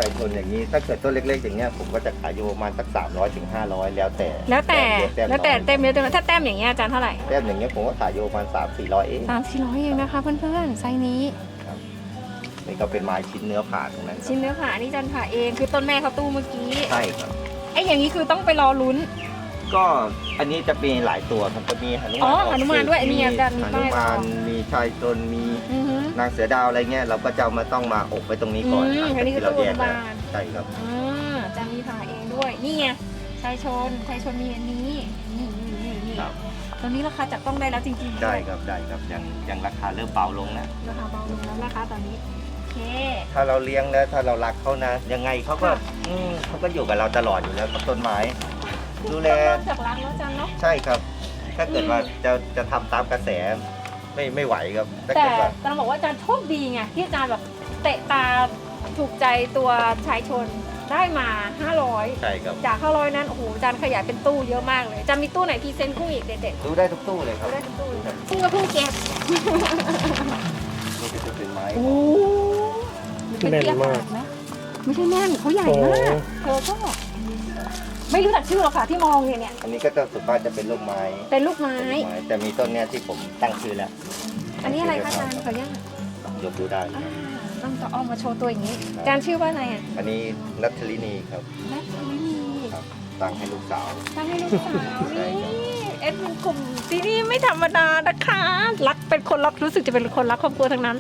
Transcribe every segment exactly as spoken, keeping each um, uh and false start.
ชายชนอย่างนี้ถ้าเกิดต้นเล็กๆอย่างเงี้ยผมก็จะขายอยู่ประมาณสักสามร้อยถึงห้าร้อยแล้วแต่แล้วแต่ต้มแล้วแต่น้อยเต็มเยอะเต็มน้อยถ้าแต้มอย่างเงี้ยอาจารย์เท่าไหร่แต้มอย่างเงี้ยผมก็ขายอยู่ประมาณสามสี่ร้อยเองสามสี่ร้อยเองนะคะเพื่อนๆไซส์นี้นี่ก็เป็นไม้ชิ้นเนื้อผ่าตรงนั้นครับชิ้นเนื้อผ่านี่อาจารย์ผ่าเองคือต้นแม่เขาตู้เมื่อกี้ใช่ครับไอ้อย่างนี้คือต้องไปรอลุ้นก็อันนี้จะมีหลายตัวครับจะมีหนุอ๋มานอหนุมานด้วยอันนี้อาจารย์มีหนุป้ายมานบอกมีชายชนมีอือฮึนางเสือดาวอะไรเงี้ยเราก็จะเอามาต้องมาอบไว้ตรงนี้ก่อนอืมหลังอันนี้จากคือที่เราแยกตู้แล้วบานใช่ครับอ่าอาจารย์มีผ่าเองด้วยนี่ไงชายชนชายชนมีอันนี้นี่นี่นี่นี่ครับตอนนี้ราคาจับต้องได้แล้วจริงๆได้ครับได้ครับยังยังราคาเริ่มเบาลงนะราคาเบาลงแล้วนะคะตอนนี้โอเคถ้าเราเลี้ยงแล้วถ้าเรารักเขานะ ยังไงเขาก็ค่ะอืมเขาก็อยู่กับเราตลอดอยู่แล้วกับต้นไม้ ดูแลเริ่มจากรักแล้วอาจารย์เนาะใช่ครับ ถ้าเกิดว่าจะจะทำตามกระแสไม่ไม่ไหวครับถ้าแต่เกิดว่าอาจารย์บอกว่าอาจารย์โชคดีไงที่อาจารย์แบบเตะตาถูกใจตัวชายชนได้มาห้าร้อยใช่ครับจากห้าร้อยนั้นโอ้โหอาจารย์ขยายเป็นตู้เยอะมากเลยอาจารย์มีตู้ไหนพรีเซนต์กุ้งอีกเด็ดดูได้ทุกตู้เลยคๆรับได้ทุกตู้เลยกุ้งก็เพิ่งเก็บนี่จะเป็นไม้โอ้เป็นเทียบขนาดไหมไม่ใช่แน่นเขาใหญ่มากเธอก็ไม่รู้จักชื่อหรอกค่ะที่มองเนี่ยเนี่ยอันนี้ก็จะสุดมากจะเป็นลูกไม้เป็นลูกไม้เป็นลูกไม้แต่มีต้นเนี้ยที่ผมตั้งชื่อแล้วอันนี้อะไรคะอาจารย์ขออนุญาตยกดูได้อ่าต้องจะเอามาโชว์ตัวอย่างนี้อาจารย์ชื่อว่าอะไรอ่ะอันนี้นัทธลินีครับแมทลินีครับตั้งให้ลูกสาวตั้งให้ลูกสาวใช่นี่ครับเอ็ดเป็นกลุ่มที่นี่ไม่ธรรมดานะคะรักเป็นคนรักรู้สึกจะเป็นคนรักครอบครัวทั้งนั้น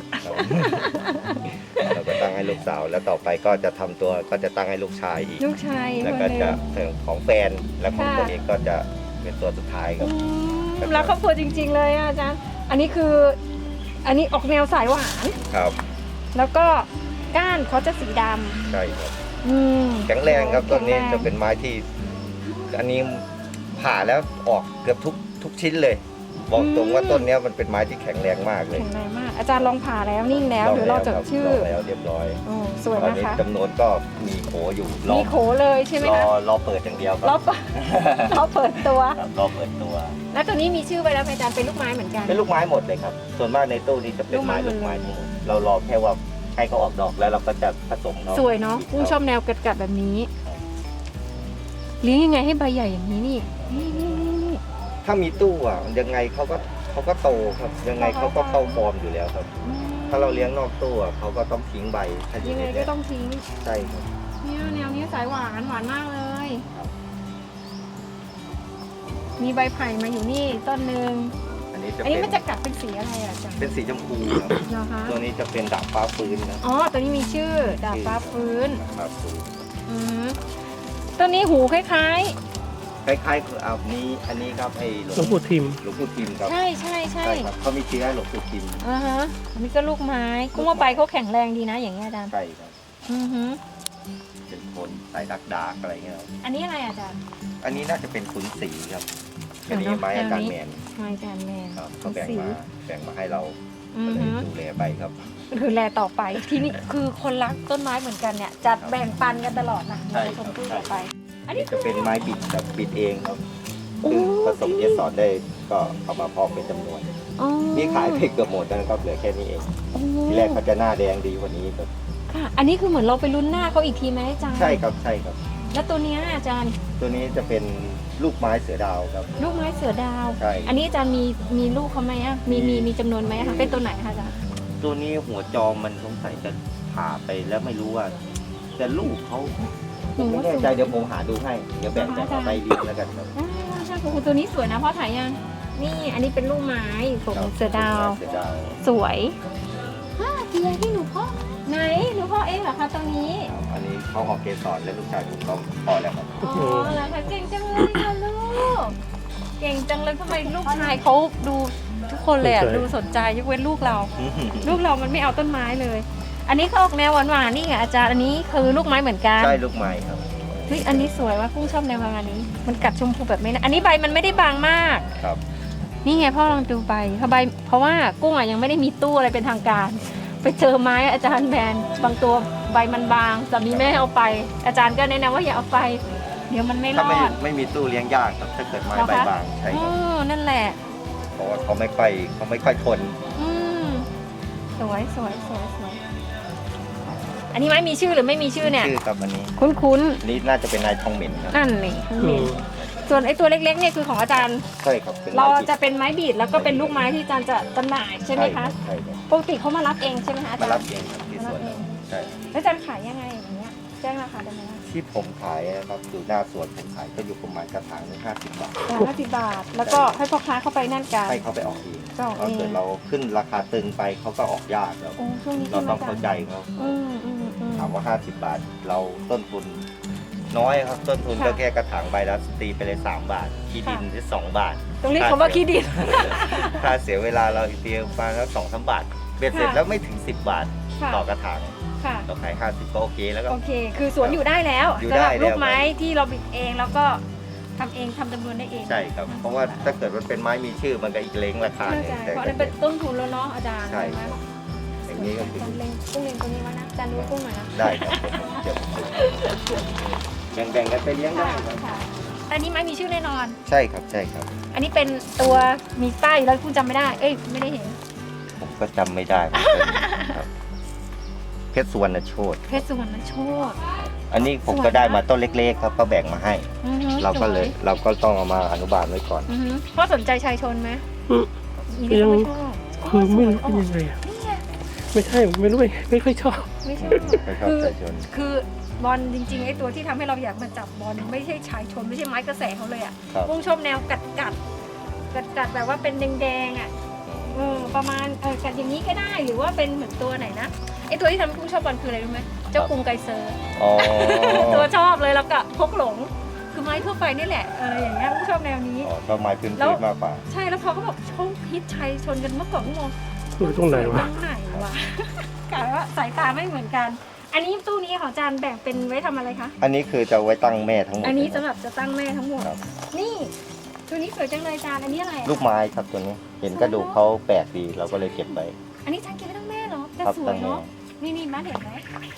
เราก็ตั้งให้ลูกสาว แล้วต่อไปก็จะทำตัวก็จะตั้งให้ลูกชายอีกลูกชายแล้วคนก็หนึจะงถึงของแฟนและของตัวเองก็จะเป็นตัวสุดท้ายครับอืมรักครอบครัวจริง ๆ เลยอะอาจารย์อันนี้คือ อันนี้ออกแนวสายหวานครับแล้วก็ก้านเขาจะสีดใช่ครับำอืมแข็งแรงครับต้นนี้แข็งแรงจะเป็นไม้ที่ อันนี้ผ่าแล้วออกเกือบทุกทุกชิ้นเลย บอกตรงว่าต้นเนี้ยมันเป็นไม้ที่แข็งแรงมากเลยแข็งแรงมาก อาจารย์ลองผ่าแล้วนิ่งแล้วเดี๋ยวเราจดคบชื่อลงแล้วเรียบร้อยโอ้สวยตอนนะนี้คะจำนวนก็มีโขอยู่รอมีโขเลยใช่ไหมรอคะรอเปิดอย่างเดียวคเรารับเปิด เราเปิดตัวครับรอเปิดตัวแล้วตัวนี้มีชื่อไว้แล้วไหมอาจารย์เป็นลูกไม้เหมือนกันเป็นลูกไม้หมดเลยครับ ส่วนมากในตู้นี้จะเป็นไม้ลูลูกกไม้ไม้หมดเลยทั้งหมดเรารอแค่ว่าให้เขาออกดอกแล้วเราก็จะผสมเนาะสวยเนาะกุ้งชอบแนวกัดๆแบบนี้เลี้ยงยังไงให้ใบใหญ่อย่างนี้นี่นี่นี่นี่นี่ถ้ามีตู้อ่ะยังไงเขาก็เขาก็โตครับ ยังไงเขาก็เข้าฟอร์มอยู่แล้วครับอืมถ้าเราเลี้ยงนอกตู้อ่ะเขาก็ต้องทิ้งใบถ้าอยัยู่งในไงก็เนี้ยต้องทิ้งใช่ครับเนี่ยแนวนี้สายหวานหวานมากเลยครับมีใบไผ่มาอยู่นี่ต้นหนึ่งอันนี้จะอันเป็นี้นมันจะกัดเป็นสีอะไรอ่ะอาจารย์เป็นสีชมพูครับเหรอคะตัวนี้จะเป็นดาบฟ้าฟื้นนะอ๋อตัวนี้มีชื่อดาบฟ้าฟื้นดาบฟ้าฟื้นอืมต้นนี้หูคล้ายคล้ายๆคืออันนี้อันนี้ครับไอ้หลวงหลวงปู่ทิมหลวงปู่ทิมครับๆ ใช่ใช่ใช่ใช่ครับเขามีเชื้อหลวงปู่ทิมอ่าฮะอันนี้ก็ลูกไม้กุ้งว่าใบเขาแข็งแรงดีนะอย่างเงี้ยอาจารย์ใช่ครับอือฮึเป็นคนสายดักดากอะไรเงี้ยครับอันนี้อะไรอาจารย์อันนี้น่าจะเป็นขุนศรีครับอ๋อัอนนี้เนอะไม้อาจารย์แมนไม้จานแมนครับเขาแบ่งสีมาแบ่งมาให้เราอืก็อเลยฮึดูแลไปครับคือแลต่อไปที่นี่คือคนรักต้นไม้เหมือนกันเนี่ยจะแบ่งปันกันตลอดนะใช่ในคชรับมพู่ใช่ต่อไป อันนี่นี้จะเป็นไม้บิดแบบบิดเองครับโอ้คือผสมเกสรได้ก็เอามาเพาะเป็นจำนวนอ๋อนี่ขายไปเกือบหมดแล้วนะครับเหลือแค่นี้เองโอ้ทีแรกเขาจะหน้าแดงดีกว่านี้ครับค่ะอันนี้คือเหมือนเราไปลุ้นหน้าเขาอีกทีไหมอาจารย์ใช่ครับใช่ครับแล้วตัวเนี้ยอาจารย์ตัวนี้จะเป็นลูกไม้เสือดาวครับลูกไม้เสือดาวใช่อันนี้อาจารย์มีมีลูกเขาไหมอ่ะมีมีมีจำนวนไหมคะเป็นตัวไหนคะอาจารย์ตัวนี้หัวจอมมันสงสัยจะผ่าไปแล้วไม่รู้ว่าจะลูกเขาผมไม่แน่ใจเดี๋ยวผมหาดูให้เดี๋ยวแบ่งแบ่งเอาไปเลี้ยงแล้วกันครับอ่าใช่โอ้โหตัวนี้สวยนะพ่อถ่ายยังนี่อันนี้เป็นลูกไม้ของเสือดาวเสือดาวสวยฮ่าเทียที่หนูพ่อไหนหนูพ่อเองเหรอคะตรงนี้ครับอันนี้เขาออกเกสรและลูกชายผมก็พอแล้วครับอ๋อเหรอคะเก่งจังเลยค่ะลูกเก่งจังเลยทำไมลูกชายเขาดูทุกคนเลยอ่ะสนใจดูสนใจยกเว้นลูกเรา ลูกเรามันไม่เอาต้นไม้เลย อันนี้เขาออกแนวหวานๆนี่ไงอาจารย์อันนี้คือลูกไม้เหมือนกันใช่ลูกไม้ครับเฮ้ยอันนี้สวยว่ากุ้งชอบแนวประมาณนี้ มันกัดชมพูแบบไม่นะอันนี้ใบมันไม่ได้บางมากครับนี่ไงพ่อลองดูใบเพราะใบเพราะว่ากุ้งอ่ะยังไม่ได้มีตู้อะไรเป็นทางการ ไปเจอไม้อาจารย์แบนบางตัวใบมันบางแต่มีแม่เอาไป อาจารย์ก็แนะนำว่าอย่าเอาไป เดี๋ยวมันไม่รถ้าอไม่ดไม่มีตู้เลี้ยงยากครับถ้าเกิดไม้เหรอใบคะบางใช่อ๋ครับอนั่นแหละเพราะว่าเขาไม่ค่อยเขาไม่ค่อยทนอืมสวยสวยสวยสวยอันนี้ไม้มีชื่อหรือไม่มีชื่อเนี่ยชื่อครับอันนี้คุ้นอันนี้น่าจะเป็นนายทองเหม็นครับๆนั่นนี่ส่วนไอ้ตัวเล็กๆเนี่ยคือของอาจารย์ใช่ครับเป็นเราไม้จะเป็นไม้บีดแล้วก็เป็นลูกไม้ที่อาจารย์จะจำหน่ายใช่ไหมคะใช่ครับปกติเขามารับเองใช่ไหมคะอามาจารรับย์เองครับที่สวนเราใช่แล้วอาจารย์ขายยังไงอย่างเงี้ยแจ้งราคาได้ไหมคะที่ผมขายนะครับอยู่หน้าสวนผมขายก็อยู่ประมาณกระถางหนึงห้าสิบบาทห้าสิบบาท แล้วก็ให้พ่อค้าเข้าไปนั่นกันให้เขาไปออกเองก็ออกเองถ้าเกิดเราขึ้นราคาตึงไปเขาก็ออกยากแล้วโอ้ช่วงนี้เราใช่ไหมต้องอาจารเข้าย์ใจเขาอืมอืมอืมถามว่าห้าสิบบาท เราต้นทุนน้อยครับต้นทุนค่ะก็แค่กระถางใบละตีไปเลยสามบาทที่ดินค่ะที่สองบาทตรงนี้คำว่าขี้ดินค่าเสียเวลาเราอีกทีประมาณสักสองสามบาทเบ็ดเสร็จค่ะแล้วไม่ถึงสิบบาทค่ะต่อกระถางค่ะเราขายห้าสิบก็โอเคแล้วก็โอเค คือสวนอยู่ได้แล้วอยู่สำหได้รับแล้วลูกไม้ที่เราบิดเองแล้วก็ทำเองทำจำนวนได้เองใช่ครับ เพราะว่าถ้าเกิดมันเป็นไม้มีชื่อมันก็อีกเล้งราคาเข้าหนึ่ใจงแต่เพราะอันนั้นเป็นต้นทุนแล้วเนาะอาจารย์ใช่ไหมครับอย่างนี้ก็คืออาจารย์เล็งกุ้งเล็งตัวนี้ไว้นะอาจารย์ดูกุ้งหน่อยนะได้ครับเดี๋ยวผมแบ่งๆกันไปเลี้ยงได้ค่ะครับค่ะอันนี้ไม้มีชื่อแน่นอนใช่ครับใช่ครับอันนี้เป็นตัวมีป้ายแล้วคุณจำไม่ได้ เอ้ยไม่ได้เห็นผมก็จำไม่ได้เหมือนกันครับเพชรสุวรรณโชตเพชรสุวรรณโชคอันนี้ผมก็ได้มาต้นเล็กๆครับก็แบ่งมาให้อือฮึเราก็เลยสวเราก็ต้องเอามาอนุบาลไว้ก่อนอือฮึพ่อสนใจชายชนไหมอืมอีนี่ก็ไม่ชอบคือไม่รู้เป็นยังไงอะนี่ไงไม่ใช่ไม่รู้ไม่ค่อยชอบไม่ชอบไม่ชอบคือชายชนคือบอลจริงๆไอ้ตัวที่ทำให้เราอยากมาจับบอลไม่ใช่ชายชนไม่ใช่ไม้กระแสเขาเลยอ่ะครับพุ่งชอบแนวกัดกัดกัดกัดแบบว่าเป็นแดงๆอ่ะเออประมาณเออกัดอย่างนี้ก็ได้หรือว่าเป็นเหมือนตัวไหนนะไอ้ตัวที่ทำให้พุ่งชอบบอลคืออะไรรู้ไหมเจ้ากรุงไกเซอร์อ๋อตัวชอบเลยแล้วก็พกหลง คือไม้ทั่วไปนี่แหละเอออย่างเงี้ยพุ่งชอบแนวนี้อ๋อก็ไม้พื้นแล้วๆมากกว่าใช่แล้วพอเขาบอกชงฮิตชัยชนกันเมื่อก่อนก็มองอยู่ตรงไหนวะตรงไหนวะ กลายว่าสายตาไม่เหมือนกัน อันนี้ตู้นี้ของอาจารย์แบ่งเป็นไว้ทำอะไรคะอันนี้คือจะไว้ตั้งแม่ทั้งหมดอันนี้เลยสำหรับจะตั้งแม่ทั้งหมดครับนี่ตัวนี้สวยจังเลยอาจารย์อันนี้อะไรอะลูกไม้ครับตัวนี้ เห็นกระดูกเขาแปลกดีเราก็เลยเก็บไปอันนี้อาจารย์เก็บไว้ตั้งแม่เหรอแต่ครับสวตั้ยงแม่เนาะนี่นี่มาเห็นไหม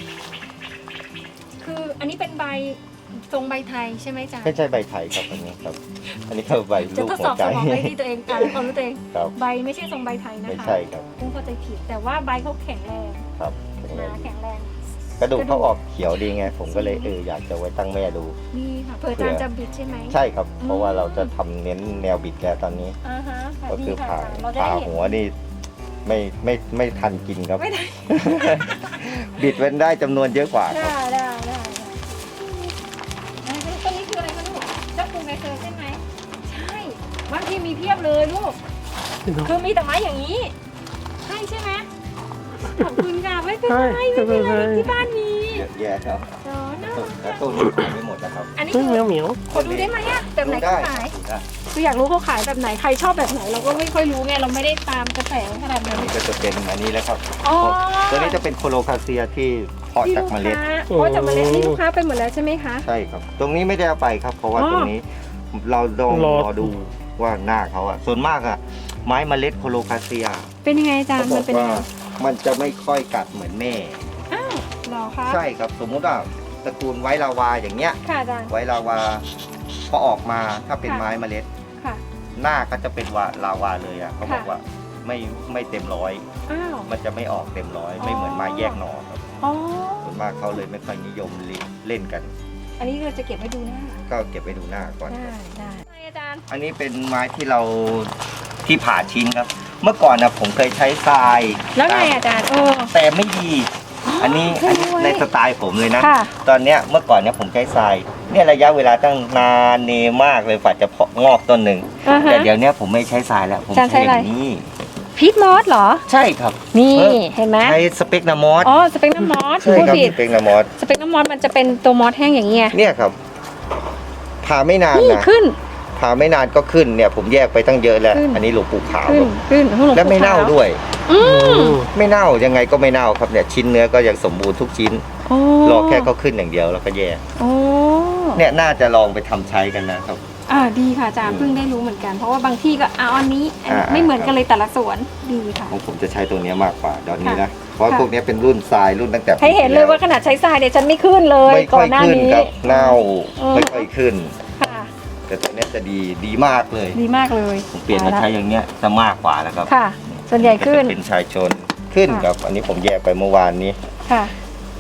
คืออันนี้เป็นใบทรงใบไทยใช่ไหมอาจารย์ไม่ใช่ใบไทยครับอันนี้ครับ อันนี้คือใบจะลูกทดหัสวอบใจสมองไปที่ตัวเองอ่านความรู้ตัวเองครับใบไม่ใช่ทรงใบไทยนะไม่คะใช่ครับพุ่งเข้าใจผิด แต่ว่าใบเขาแข็งแรงครับหนาแข็งแรงกระดูกเขาออกเขียวดีไง ผมก็เลยเอออยากจะไว้ตั้งแม่ดูนี่ค่ะเผื่ออาจารย์จะบิดใช่ไหมใช่ครับ เพราะว่าเราจะทำเน้นแนวบิดแล้วตอนนี้อ่าฮะค่ะก็ดีคือค่ะผ่าเราจะผ่าได้เห็นหัวนี่ไม่ไม่ไม่ทันกินครับไม่ได้บิดเว้นได้จำนวนเยอะกว่าครับได้ได้ได้ได้ได้ต้นนี้คืออะไรคะลูกเจ้าปูไงเซอร์ใช่ไหมใช่บางทีมีเพียบเลยลูก คือมีแต่ไม้อย่างนี้ ใช่ใช่ไหมขอบคุณค่ะไม่เป็นไรไม่เป็นไรที่บ้านมีเยอะแยะครับเนาะน่ารักแล้วตู้นี้ขายไม่หมดนะครับอันนี้เฮ้ยคือแมวเหมียวขอดูได้ไหมอะแบบไหนดูเขาได้ขายดูได้คืออยากรู้เขาขายแบบไหนใครชอบแบบไหนเราก็ไม่ค่อยรู้ไงเราไม่ได้ตามกระแสขนาดอันั้น นนี้ก็จะเป็นอันนี้แล้วครับอ๋อตัวนี้จะเป็นโคโลคาเซียที่เพาะที่จากลูกเมล็ดค้าเพราะจากเมล็ดนี่ลูกค้าไปหมดแล้วใช่ไหมคะใช่ครับ ตรงนี้ไม่ได้เอาไปครับ เพราะว่าอ๋อตรงนี้เราต้องรอรอดูว่าหน้าเขาอะส่วนมากอะไม้เมล็ดโคโลคาเซียเป็นยังไงอาจารเขาย์บมัอน กเป็นยังว่าไงมันจะไม่ค่อยกัดเหมือนแม่อ้าวเหรอคะใช่ครับ สมมุติว่าตระกูลไว้ลาวาอย่างเงี้ยค่ะอาจารย์ไว้ลาวาพอออกมาถ้าเป็นค่ะไม้เมล็ดค่ะหน้าก็จะเป็นวาลาวาเลยอะเขาบอกค่ะว่าไม่ไม่เต็มร้อยอ้าวมันจะไม่ออกเต็มร้อยอ๋อไม่เหมือนไม้แยกหน่อครับอ๋อส่วนมากเขาเลยไม่ค่อยนิยมเล่นเล่นกันอันนี้เราจะเก็บไว้ดูหน้าก็เก็บไว้ดูหน้าก่อนได้ได้อาจารย์อันนี้เป็นไม้ที่เราที่ผ่าชิ้นครับ เมื่อก่อนนะผมเคยใช้ทรายแล้วไงอาจารย์เออแต่ไม่ดี อันนี้ใช่อันนี้ด้วยในสไตล์ผมเลยนะค่ะตอนเนี้ยเมื่อก่อนเนี่ยผมใช้ทราย เนี่ยระยะเวลาตั้งนานเนมากเลยฝ่าจะเพาะงอกต้นหนึ่งอ่าฮะแต่เดี๋ยวเนี้ยผมไม่ใช้ทรายแล้ว ผมอาจารย์ใช้ใช้อะไรอย่างนี้พีทมอสเหรอใช่ครับนี่เออเห็นไหมใช้สเปกนามอสอ๋อสเปกน้ำมอสใช่พูดครับผิดสเปกนามอสสเปกน้ำมอสมันจะเป็นตัวมอสแห้งอย่างเงี้ยเนี่ยครับผ่าไม่นานนี่นะขึ้นผ่าไม่นานก็ขึ้นเนี่ย ผมแยกไปตั้งเยอะแล้วขึ้นอันนี้หลวงปู่ขาวขึ้นขึ้นของหลวงและไม่ปู่เน่าขาวด้วยอืมไม่เน่ายังไงก็ไม่เน่าครับเนี่ยชิ้นเนื้อก็ยังสมบูรณ์ทุกชิ้นโอ้รอแค่เขาขึ้นอย่างเดียวแล้วก็แยกโอ้เนี่ยน่าจะลองไปทำใช้กันนะครับอ่าดีค่ะอาจารย์อืมเพิ่งได้รู้เหมือนกัน เพราะว่าบางที่ก็เอาอันนี้อันนี้อ่าไม่เหมือนกันเลยแต่ละสวนดีค่ะของผมจะใช้ตัวเนี้ยมากกว่าตอนนี้ค่ะนะ เพราะค่ะพวกเนี้ยเป็นรุ่นทรายรุ่นตั้งแต่ให้เห็นเลยว่าขนาดใช้ทรายเนี่ยฉันไม่ขึ้นเลยไม่ก่ค่ออยนหน้าขึ้นนี้ครับเน่าอืมไม่ค่อยขึ้นค่ะแต่ตัวเนี้ยจะดีดีมากเลยดีมากเลยผมเปลี่ยนมาใช้อย่างเนี้ยจะมากกว่าแล้วครับค่ะ ส่วนใหญ่ขึ้นจะเป็นชายชนขึ้นค่ะครับ อันนี้ผมแยกไปเมื่อวานนี้ค่ะ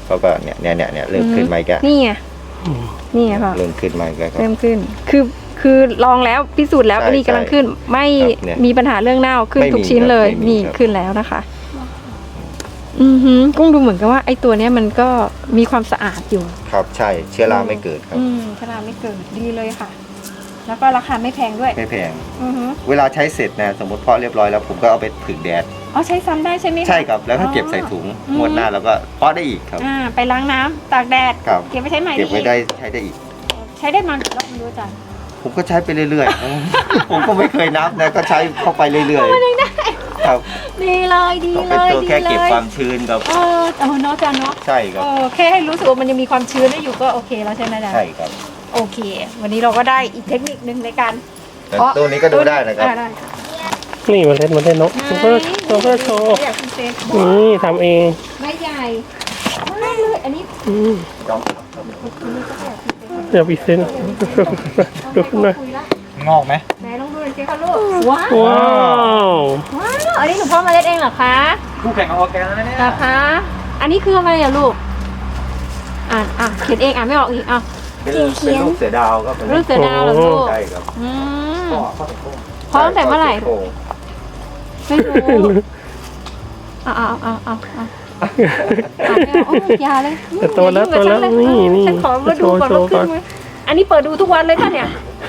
เขาก็เนี่ยเนี่ยเนี่ยเนี่ยเริ่มขึ้นมาอีกแล้วนี่ไงอืมนี่ไงพ่อเริ่มขึ้นมาอีกแล้วครับเริ่มขึ้น คือคือลองแล้วพิสูจน์แล้วใช่อันนี้กำลังขึ้น ไม่ครับเนี่ยมีปัญหาเรื่องเน่าขึ้นไม่มีทุกชิ้นเลยครับไม่มีนี่ครับขึ้นแล้วนะคะ อือหือกุ้งดูเหมือนกับว่าไอ้ตัวเนี้ยมันก็มีความสะอาดอยู่ครับใช่เชื้อราไม่เกิดครับอืมชราไม่เกิดดีเลยค่ะ แล้วก็ราคาไม่แพงด้วยไม่แพงอือหือเวลาใช้เสร็จนะสมมติเพาะเรียบร้อยแล้วผมก็เอาไปผึ่งแดดอ๋อใช้ซ้ำได้ใช่ไหมคะใช่ครับแล้วก็เก็บใส่ถุงอืมงวดหน้าแล้วก็เพาะได้อีกครับอ่าไปล้างน้ำตากแดดครับเก็บไปใช้ใหม่เก็บไว้อีกได้ใช้ได้อีกใช้ได้มากี่รอบไม่รู้อาจารย์ผมก็ใช้ไปเรื่อยๆ ผมก็ไม่เคยนับนะก็ใช้เข้าไปเรื่อยๆครับดีเลยดีต้องเลเป็นยตัวดีแค่เลเก็บยความชื้นครับเออเออเนาะอาจารย์เนาะใช่ครับเออแค่ให้รู้สึกว่ามันยังมีความชื้นได้อยู่ก็โอเคแล้วใช่ไหมอาจารย์ใช่ครับโอเค วันนี้เราก็ได้อีกเทคนิคนึงในการแต่ตัวนี้ก็ดูได้นะครับอ่าได้ค่ะนี่มาเล่นมาเล่นนกซูเปอร์ซูเปอร์โชว์อยากพิเศษนี่ทำเองไม่ใหญ่มากเลยอันนี้อืมจอมอันนี้ก็อยากพิเศษเดี๋ยวพิเศษดูขึ้นหน่อยคุยละงอกไหมไหนลองดูหน่อยสิคะลูกว้าวว้าวว้าวอันนี้หนูพ่อมาเล่นเองเหรอคะคู่แข่งของออร์แกนแล้วเนี่ยเหรอคะอันนี้คืออะไรอะลูกอ่านอ่ะเขียนเองอ่านไม่ออกอีกอ่ะเป็นเป็นลูกเสือดาวครับรูปเสือดาวเหรอลูกใช่ครับอืมพ่อพ่อถึงโค้งพร้อมแต่เมื่อไหร่โอ้โไม่รู้เอาเอาเอาเอาเอาเอาไม่เอาโอ้ยอยาเลยแต่โตแล้วอย่าโตแล้วยุ่งกับฉันี่นี่ฉันขอมาดูก่อนโชว่าว์ขึ้ก่อน นไหมอันนี้เปิดดูทุกวันเลยค่ะเนี่ย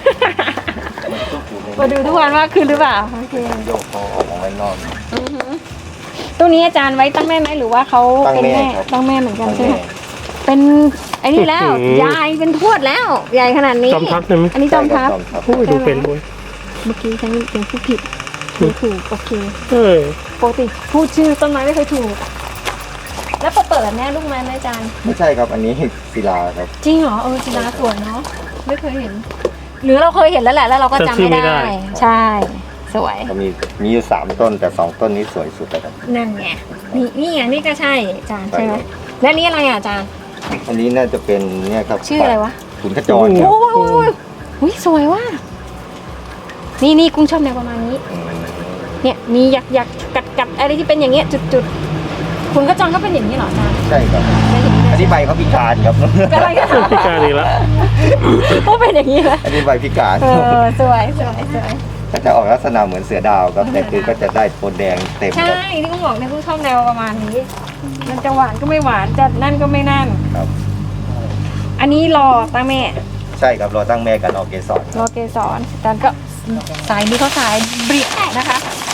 เปิดดูทุกวันว่าขึ้นหรือเปล่าโอเคโยกคอออกมาไว้นอกอือหือตัวนี้อาจารย์ไว้ตั้งแม่ไหมหรือว่าเขาตั้งเป็นแม่แม่ครับตั้งแม่เหมือนกันตั้งใช่ไหมแม่เป็นไอ้นี่แล้วอื้อหือยายเป็นทวดแล้วใหญ่ขนาดนี้จอมทัพใช่ไหมอันนี้จอมทัพใช่ครับโอ้ยดูเป็นด้วยเมื่อกี้ฉันยังพูดผิดพูดถูกโอเคเออปกติพูดชื่อต้นไม้ไม่เคยถูก แล้วพอเปิดแน่ลูกไม้ไหมอาจารย์ไม่ใช่ครับอันนี้ศิลาครับจริงเหรอเออจินาสวยเนาะไม่เคยเห็น หรือเราเคยเห็นแล้วแหละแล้วเราก็จำไม่ได้ ใช่ สวยก็มีมีอยู่สามต้นแต่สองต้นนี้สวยสุดแล้วครับนั่นไงนี่นี่ไงนี่ก็ใช่อาจารย์ใช่ใช่ไหมครับและนี่อะไรอ่ะอาจารย์อันนี้น่าจะเป็นเนี่ยครับชื่ออะไรวะขุนขจรคโอ้รับยโอ้ยโอ้ยอุ้ยสวยว่ะนี่นี่กุ้งชอบแนวประมาณนี้อืมเนี่ยมีหยักหยักกัดกัดอะไรที่เป็นอย่างเงี้ยจุดจุดคุณก็จองก็เป็นอย่างนี้เหรออาจารย์ใช่ครับเป็นอย่างนี้อันเลยนี้ใบเขาพิการครับเป็นอะไรกันพิการอีกแล้วก็เป็นอย่างนี้เลยอันนี้ใบพิการเออสวยสวยสวยก็จะออกลักษณะเหมือนเสือดาวครับแต่คือก็จะได้โทนแดงเต็มใช่ครับที่กุ้งบอกในยกุ้งชอบแนวประมาณนี้ มันจะหวานก็ไม่หวานจะนั่นก็ไม่นั่นครับอันนี้รอตั้งแม่ใช่ครับรอตั้งแม่กันออกเกสรรอเกสรอาจารย์ก็สายนี้เขาสายเบรียนะคะ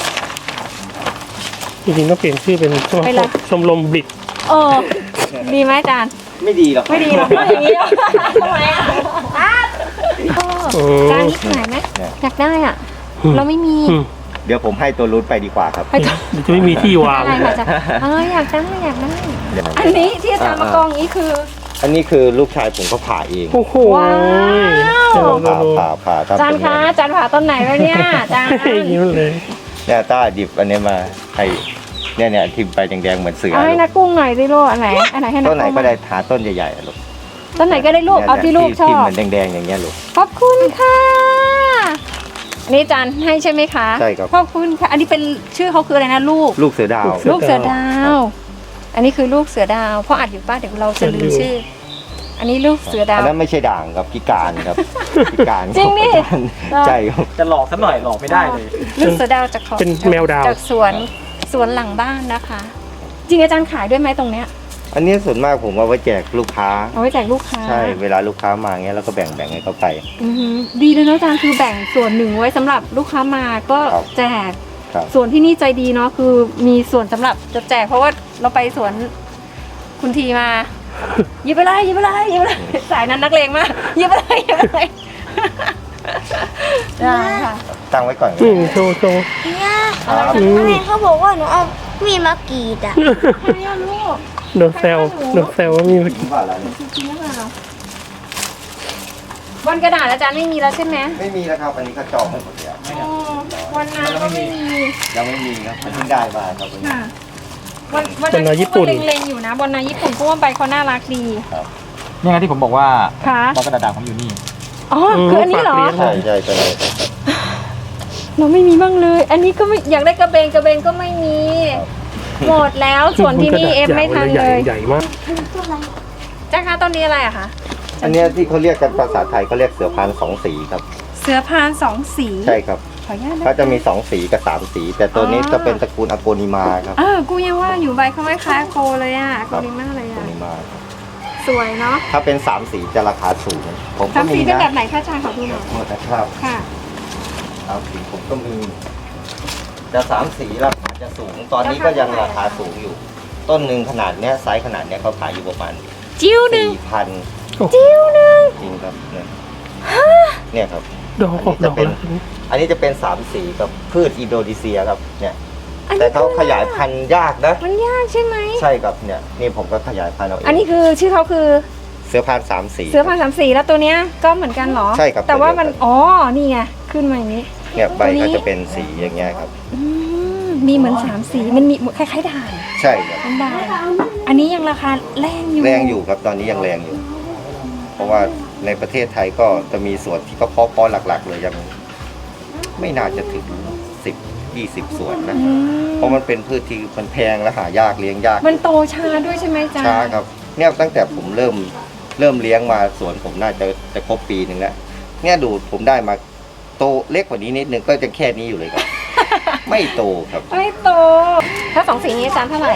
จริงๆก็เปลี่ยนชื่อเป็นชมไปเลยชมรมบลิดเออดีไหมอาจารย์ไม่ดีหรอกไม่ดีหรอกไม่อย่างนี้หรอกทำไมอ่ะเออจานนี้ขายไหมอยากได้อ่ะ เราไม่มีอืมเดี๋ยวผมให้ตัวรุ้นไปดีกว่าครับให้จ้ะเดี๋ยวจะไม่มีที่วางอะไรค่ะอาจารย์เอออยากได้อยากได้เดี๋ยวนะอันนี้ที่อาจารย์มากองนี้คืออันนี้คือลูกชายผมก็ผ่าเองโอ้โหว้าวเดี๋ยวผ่าดูผ่าผ่าอาทำจารเป็ย์นคะอาจารย์ผ่าต้นไหนแล้วเนี่ยอาจารย์ยิ้มเลยเนี่ยต้าดิบอันนี้มาให้เนี่ยเนี่ยทิมไปแดงๆเหมือนเสือเอาให้นักกุ้งหน่อยสิลูกอันไหนอันไหนให้นักต้นไหนกุ้งก็ได้หาต้นใหญ่ๆอะลูกต้นไหนก็ได้ลูกเอาที่ลูกชอทิมบเหมือนแดงๆอย่างเงี้ยลูกขอบคุณค่ะอันนี้อาจารย์ให้ใช่ไหมคะใช่ครับขอบคุณค่ะ อันนี้เป็นชื่อเขาคืออะไรนะลูกลูกเสือดาวลูกเสือดาว อันนี้คือลูกเสือดาวเพราะอัดอยู่ป้าเดี๋ยวเราจะลืมชื่อ อันนี้ลูกเสือดาอัวนนั้นไม่ใช่ด่างครับพิการครับพิการจริงดิใช่ครับจะหลอกสักหน่อยหลอกไม่ได้เลยลูกเสือดาวจากของเป็นแมวดาวจากสวนสวนหลังบ้านนะคะ จริงอาจารย์ขายด้วยไหมตรงเนี้ยอันนี้ส่วนมากผมเอาไว้แจกลูกค้าเอาไว้แจกลูกค้าใช่เวลาลูกค้ามาเงี้ยเราก็แบ่งแบ่งให้เขาไปอือหือดีเลยเนาะอาจารย์คือแบ่งส่วนหนึ่งไว้สำหรับลูกค้ามาก็ครับแจกครับส่วนที่นี่ใจดีเนาะคือมีส่วนสำหรับจะแจกเพราะว่าเราไปสวนคุณทีมาหยิบไปเลยหยิบไปเลยหยิบไปเลยสายนั้นนักเลงมากหยิบไปเลยหยิบไปเลยได้ค่ะตั้งไว้ก่อนอืมโชว์โชว์เนี่ยครับอืมแม่เขาบอกว่าหนูเอามีดมากรีดอ่ะใครอะลูกโดนแซวโดนแซวว่ามีผมว่าแล้วเนี่ยจริงหรือเปล่าวันกระดาษอาจารย์ไม่มีแล้วใช่ไหมไม่มีแล้วครับอันนี้ก็จองหมดแล้วอ๋อวันนั้นก็ไม่มียังไม่มีครับมันเพิ่งได้มาครับวันนี้ค่ะวันวันนั้นก็เล็งๆอยู่นะบนนาญี่ปุ่นเพราะว่าใบเขาน่ารักดีนี่ไงที่ผมบอกว่าค่ะบล็อกกระดาษด่างผมอยู่นี่อ๋อคืออันนี้เหรอใช่ใช่ใช่เราไม่มีบ้างเลย อันนี้ก็ไม่อยากได้กระเบนกระเบนก็ไม่มีหมดแล้วส่วนที่นี่เอฟไม่ทันใหเลญ่ยใหญ่มากจ้าคะต้นนี้อะไรอะคะอันเนี้ยที่เขาเรียกกันภาษาไทยเขาเรียกเสือพานสองสีครับเสือพานสองสีใช่ครับขออนุญาตนเขาจะมีสองสีกับสามสี แต่ตัวนี้จะเป็นตระกูลอโกนิมาครับเออกูยังว่าอยู่ใบเขาคล้ายๆโคเลยอะโคลิมาเลยอโกอะนิมาครับสวยเนาะถ้าเป็นสามสีจะราคาสูงผมสาก็มสีมีเป็นนะแบบไหนคะอาจารย์ขอดูหน่อยหมดนะครับค่ะสามสีผมก็มีแต่สามสีราคาจะสูง ตอนนี้ก็ยังราคาสูงอยู่ ต้นหนึ่งขนาดเนี้ยไซส์ขนาดเนี้ยเขาขายอยู่ประมาณจิ้วหนึ่งสี่พันจิ้วหนึ่งจริงครับเนี่ยเนี่ยครับดอกออกดอกแล้วอันนี้จะเป็นสามสีกับพืชอินโดนีเซียครับเนี่ยอันแต่นี้เขาขยายพันธุ์ยากนะมันยากใช่ไหมใช่ครับเนี่ยนี่ผมก็ขยายพันธุ์เอาเองอันนี้คือชื่อเขาคือเสือพานสามสีเสือพานสามสีแล้วตัวเนี้ยก็เหมือนกันเหรอใช่ครับแต่ว่ามันตัวเดียวกันอ๋อ นี่ไง ขึ้นมาอย่างนี้เนี่ยใบตัวนี้ก็จะเป็นสีอย่างเงี้ยครับอืมมีเหมือนสามสี มันมีคล้ายๆด่างใช่ครับมันด่างอันนี้ยังราคาแรงอยู่แรงอยู่ครับตอนนี้ยังแรงอยู่ เพราะว่าในประเทศไทยก็จะมีส่วนที่เขาเพาะเพาะหลักๆ เลยยังไม่น่าจะถึงสิบยี่สิบส่วนนะอืมเพราะมันเป็นพืชที่มันแพงและหายากเลี้ยงยากมันโตช้าด้วยใช่ไหมจ๊ะช้าครับเนี่ยตั้งแต่ผมเริ่มเริ่มเลี้ยงมาสวนผมน่าจะจะครบปีหนึ่งแล้วเนี่ยดูผมได้มาโตเล็กกว่านี้นิดนึงก็จะแค่นี้อยู่เลย ครับ ไม่โตครับไม่โต ถ้าสองสีนี้อาจารย์เท่าไหร่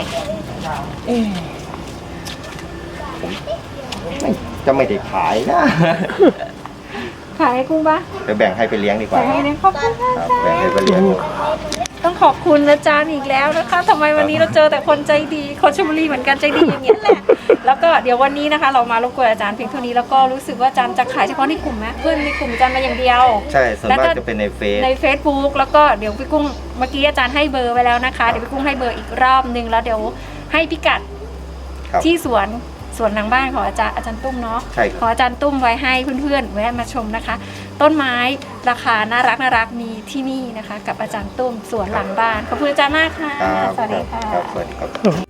ผมไม่จะไม่ได้ขายนะขายให้กุ้งปะจะแบ่งให้ไปเลี้ยงดีกว่าขายให้เนี่ยขอบคุณค่ะครับอาจารแบ่งให้ย์ไปเลี้ยงต้องขอบคุณอาจารย์อีกแล้วนะคะทำไมวันนี้เราเจอแต่คนใจดี คนชลบุรีเหมือนกันใจดีอย่างเงี้ยแหละ แล้วก็เดี๋ยววันนี้นะคะ เรามารบกวนอาจารย์เพียงเท่านี้แล้วก็รู้สึกว่าอาจารย์จะขายเฉพาะในกลุ่มไหมเพื่อนในกลุ่มอาจารย์มาอย่างเดียวใช่ส่วนแล้วมาก็กจะเป็นในเฟซใน Facebook แล้วก็เดี๋ยวพี่กุ้งเมื่อกี้อาจารย์ให้เบอร์ไว้แล้วนะคะ เดี๋ยวพี่กุ้งให้เบอร์อีกรอบนึงแล้วเดี๋ยวให้พิกัดครับที่สวนสวนหลังบ้านของอาจารย์อาจารย์ตุ้มเนาะใช่ครับขออาจารย์ตุ้มไว้ให้เพื่อนๆแวะมาชมนะคะ ต้นไม้ราคาน่ารักน่ารักมีที่นี่นะคะ กับอาจารย์ตุ้มสวนหลังบ้านขอบคุณอาจารย์มากค่ะครับสวัสดีค่ะครับสวัสดีครับโอ้โห